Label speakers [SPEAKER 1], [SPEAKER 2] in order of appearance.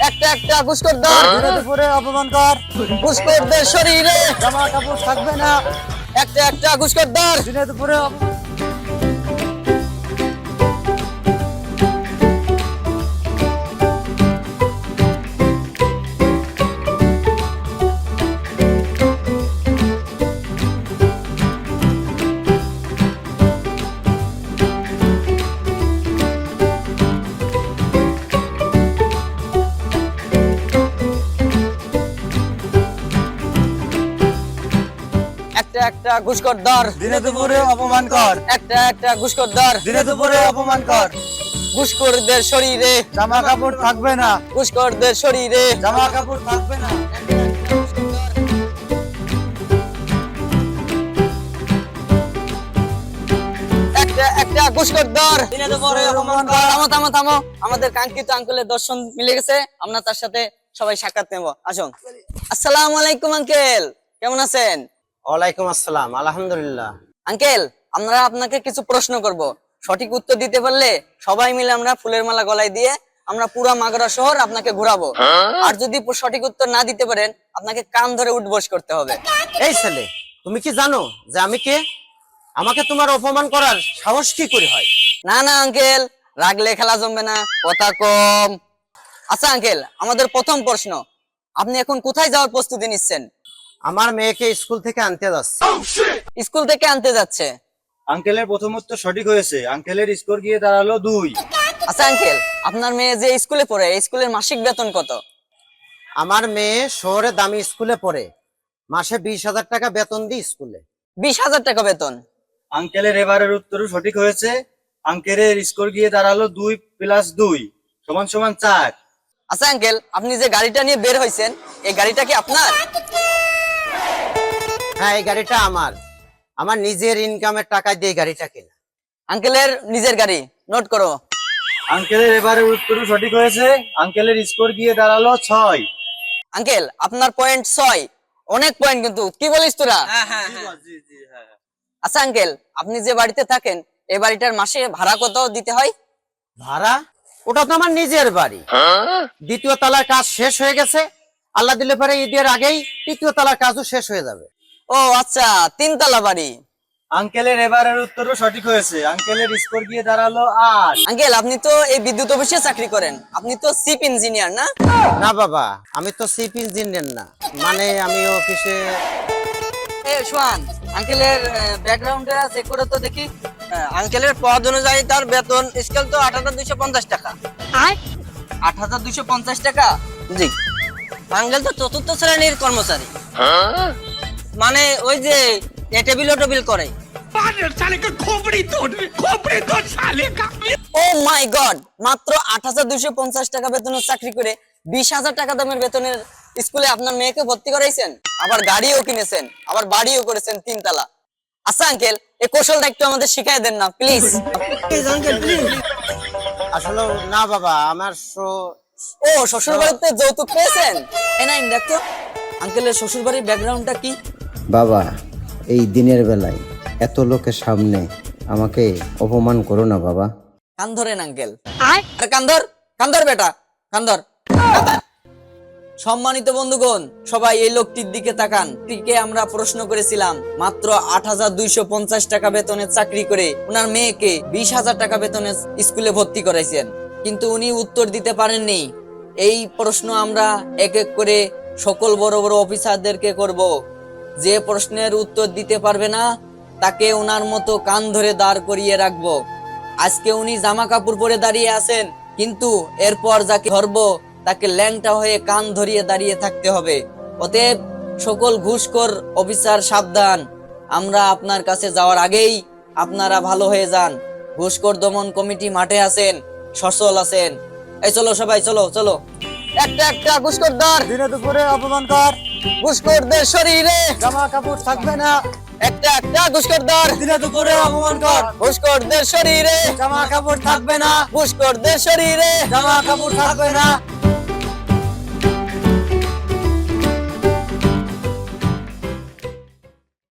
[SPEAKER 1] একটা একটা ঘুষখোর ধর।
[SPEAKER 2] দিনে দুপুরে অপমান কর,
[SPEAKER 1] ঘুষখোরদের শরীরে
[SPEAKER 2] জামা কাপড় থাকবে না।
[SPEAKER 1] একটা একটা ঘুষখোর ধর।
[SPEAKER 2] দিনে দুপুরে
[SPEAKER 1] একটা একটা ঘুষখোর ধর।
[SPEAKER 2] দিনে দুপুরে অপমান কর,
[SPEAKER 1] একটা একটা ঘুষখোর ধর।
[SPEAKER 2] দিনে দুপুরে অপমান কর।
[SPEAKER 1] ঘুষখোরদের শরীরে
[SPEAKER 2] জামা কাপড় থাকবে না,
[SPEAKER 1] ঘুষখোরদের শরীরে
[SPEAKER 2] জামা কাপড় থাকবে না।
[SPEAKER 1] একটা একটা ঘুষখোর ধর।
[SPEAKER 2] দিনে দুপুরে অপমান কর।
[SPEAKER 1] থামো থামো থামো, আমাদের কাঙ্ক্ষিত আঙ্কেলের দর্শন মিলে গেছে, আমরা তার সাথে সবাই সাক্ষাৎ নেব। আসুন। আসসালামু আলাইকুম আঙ্কেল, কেমন আছেন?
[SPEAKER 3] ওয়ালাইকুম আসসালাম, আলহামদুলিল্লাহ।
[SPEAKER 1] আঙ্কেল, আমরা আপনাকে কিছু প্রশ্ন করব, সঠিক উত্তর দিতে পারলে সবাই মিলে আমরা ফুলের মালা গলায় দিয়ে আমরা পুরা মাগুরা শহর আপনাকে ঘোরাবো। আর যদি সঠিক উত্তর না দিতে পারেন, আপনাকে কান ধরে উঠবোস করতে হবে।
[SPEAKER 3] এই ছেলে, তুমি কি জানো যে আমি কে? আমাকে তোমার অপমান করার সাহস কি করে হয়?
[SPEAKER 1] না না আঙ্কেল, রাগলে খেলা জমবে না, কথা কম। আচ্ছা আঙ্কেল, আমাদের প্রথম প্রশ্ন, আপনি এখন কোথায় যাওয়ার প্রস্তুতি নিচ্ছেন?
[SPEAKER 3] আমার মেয়েকে স্কুল থেকে আনতে যাচ্ছে।
[SPEAKER 1] স্কুল থেকে আনতে যাচ্ছে।
[SPEAKER 2] আঙ্কেলের প্রথম উত্তর সঠিক হয়েছে। আঙ্কেলের স্কোর গিয়ে দাঁড়ালো 2।
[SPEAKER 1] আচ্ছা আঙ্কেল, আপনার মেয়ে যে স্কুলে পড়ে, এই স্কুলের মাসিক বেতন কত?
[SPEAKER 3] আমার মেয়ে শহরে দামি স্কুলে পড়ে, মাসে 20,000 টাকা বেতন দিই স্কুলে।
[SPEAKER 1] 20,000 টাকা বেতন।
[SPEAKER 2] আঙ্কেলের এবারের উত্তরও সঠিক হয়েছে। আঙ্কেলের স্কোর গিয়ে দাঁড়ালো 2 + 2 = 4।
[SPEAKER 1] আচ্ছা আঙ্কেল, আপনি যে গাড়িটা নিয়ে বের হয়েছেন, এই গাড়িটা কি আপনার?
[SPEAKER 3] হ্যাঁ, এই গাড়িটা আমার নিজের ইনকামের টাকা দিয়ে এই গাড়িটা কেনা।
[SPEAKER 1] আঙ্কেলের নিজের গাড়ি, নোট করো।
[SPEAKER 2] আঙ্কেলের এবারের উত্তরও সঠিক হয়েছে। আঙ্কেলের স্কোর গিয়ে দাঁড়ালো 6।
[SPEAKER 1] আঙ্কেল, আপনার পয়েন্ট 6, অনেক পয়েন্ট কিন্তু, কি বলিস তোরা? আচ্ছা আঙ্কেল, আপনি যে বাড়িতে থাকেন, এই বাড়িটার মাসে ভাড়া কত দিতে হয়?
[SPEAKER 3] ভাড়া? ওটা তো আমার নিজের বাড়ি। দ্বিতীয় তলার কাজ শেষ হয়ে গেছে, আল্লাহ দিলে পরে ঈদের আগেই তৃতীয় তলার কাজও শেষ হয়ে যাবে।
[SPEAKER 1] ও আচ্ছা, 3 তলা বাড়ি।
[SPEAKER 2] আঙ্কেলের এবারের উত্তরও সঠিক হয়েছে। আঙ্কেলের স্কোর গিয়ে দাঁড়ালো 8।
[SPEAKER 1] আঙ্কেল, আপনি তো এই বিদ্যুৎ অফিসে চাকরি করেন, আপনি তো চিফ ইঞ্জিনিয়ার না?
[SPEAKER 3] না বাবা, আমি তো চিফ ইঞ্জিনিয়ার না, মানে আমি অফিসে।
[SPEAKER 1] এ সোহান, আঙ্কেলের ব্যাকগ্রাউন্ডটা চেক করে তো দেখি। আঙ্কেলের পদ অনুযায়ী তার বেতন স্কেল তো 8,250 টাকা। 8,250 টাকা? জি। আঙ্কেল তো চতুর্থ শ্রেণীর কর্মচারী, মানে ওই যে টেবিল করে। ও মাই গড, মাত্র 8,250 টাকা বেতনের চাকরি করে 20,000 টাকা দামের বেতনের স্কুলে আপনার মেয়েকে ভর্তি করাইছেন, আবার গাড়িও কিনেছেন, আবার বাড়িও করেছেন 3 তলা। আচ্ছা আঙ্কেল, এই কৌশলটা একটু আমাদের শিখাই দেন না প্লিজ। Please uncle, please.
[SPEAKER 3] আসলে না বাবা,
[SPEAKER 1] ও শ্বশুর বাড়িতে যৌতুক পেয়েছেন? এই নাইন দেখো, আঙ্কেলের শ্বশুর বাড়ির ব্যাকগ্রাউন্ডটা কি?
[SPEAKER 4] বাবা, এই দিনের বেলায় এত লোকের সামনে আমাকে অপমান করো না বাবা।
[SPEAKER 1] কান ধরেন আঙ্কেল। আরে কান ধর, কান ধর বেটা, কান ধর। সম্মানিত বন্ধুগণ, সবাই এই লোকটির দিকে তাকান। টিকে আমরা প্রশ্ন করেছিলাম, মাত্র 8,250 টাকা বেতনের চাকরি করে ওনার মেয়েকে 20,000 টাকা বেতনের স্কুলে ভর্তি করাইছেন, কিন্তু উনি উত্তর দিতে পারেননি। এই প্রশ্ন আমরা এক এক করে সকল বড় বড় অফিসারদেরকে করব। যে প্রশ্নের উত্তর দিতে পারবে না, তাকে ওনার মতো কান ধরে দাঁড় করিয়ে রাখবো। আজকে উনি জামা কাপড় পরে দাঁড়িয়ে আছেন, কিন্তু এরপর যাকে ধরবো তাকে ল্যাংটা হয়ে কান ধরিয়ে দাঁড়িয়ে থাকতে হবে। অতএব সকল ঘুষখোর অফিসার সাবধান, আমরা আপনার কাছে যাওয়ার আগেই আপনারা ভালো হয়ে যান। ঘুষখোর দমন কমিটি মাঠে আছেন, সচল আছেন। এই চলো সবাই, চলো চলো। একটা একটা ঘুষখোর ধর।
[SPEAKER 2] দিনে দুপুরে অপমান কর,
[SPEAKER 1] ঘুষখোরদের শরীরে
[SPEAKER 2] জামা কাপড় থাকবে না।
[SPEAKER 1] একটা একটা ঘুষখোর ধর।
[SPEAKER 2] দিনে দুপুরে অপমান কর,
[SPEAKER 1] ঘুষখোরদের শরীরে
[SPEAKER 2] জামা কাপড় থাকবে না।
[SPEAKER 1] ঘুষখোরদের শরীরে
[SPEAKER 2] জামা কাপড় থাকবে না।